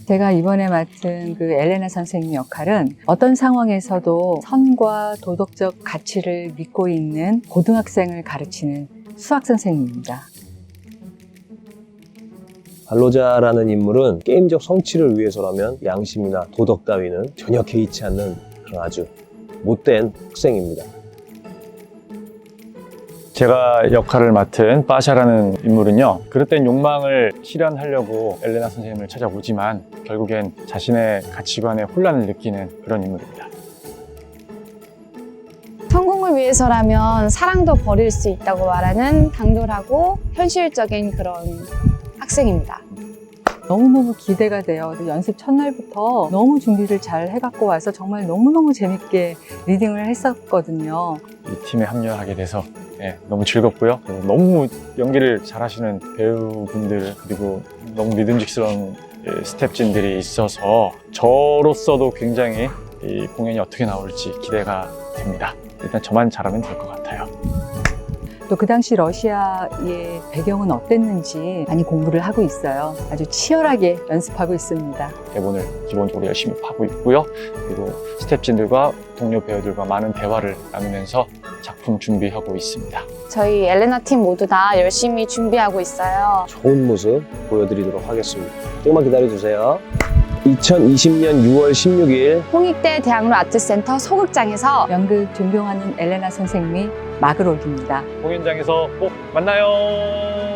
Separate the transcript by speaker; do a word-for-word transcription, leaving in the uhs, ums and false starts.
Speaker 1: 제가 이번에 맡은 그 엘레나 선생님 역할은 어떤 상황에서도 선과 도덕적 가치를 믿고 있는 고등학생을 가르치는 수학 선생님입니다.
Speaker 2: 발로자라는 인물은 게임적 성취를 위해서라면 양심이나 도덕 따위는 전혀 개의치 않는 그런 아주 못된 학생입니다.
Speaker 3: 제가 역할을 맡은 빠샤라는 인물은요, 그릇된 욕망을 실현하려고 엘레나 선생님을 찾아오지만 결국엔 자신의 가치관에 혼란을 느끼는 그런 인물입니다.
Speaker 4: 성공을 위해서라면 사랑도 버릴 수 있다고 말하는 당돌하고 현실적인 그런 학생입니다.
Speaker 1: 너무너무 기대가 돼요. 연습 첫날부터 너무 준비를 잘 해갖고 와서 정말 너무너무 재밌게 리딩을 했었거든요.
Speaker 3: 이 팀에 합류하게 돼서 네, 너무 즐겁고요. 너무 연기를 잘하시는 배우분들 그리고 너무 믿음직스러운 스태프진들이 있어서 저로서도 굉장히 이 공연이 어떻게 나올지 기대가 됩니다. 일단 저만 잘하면 될 것 같아요.
Speaker 1: 또 그 당시 러시아의 배경은 어땠는지 많이 공부를 하고 있어요. 아주 치열하게 연습하고 있습니다.
Speaker 3: 대본을 기본적으로 열심히 파고 있고요. 그리고 스태프진들과 동료 배우들과 많은 대화를 나누면서 작품 준비하고 있습니다.
Speaker 4: 저희 엘레나 팀 모두 다 열심히 준비하고 있어요.
Speaker 2: 좋은 모습 보여드리도록 하겠습니다. 조금만 기다려주세요. 이천이십 년 유월 십육일
Speaker 4: 홍익대 대학로 아트센터 소극장에서
Speaker 1: 연극 존경하는 엘레나 선생님이 막을 올립니다.
Speaker 3: 공연장에서 꼭 만나요.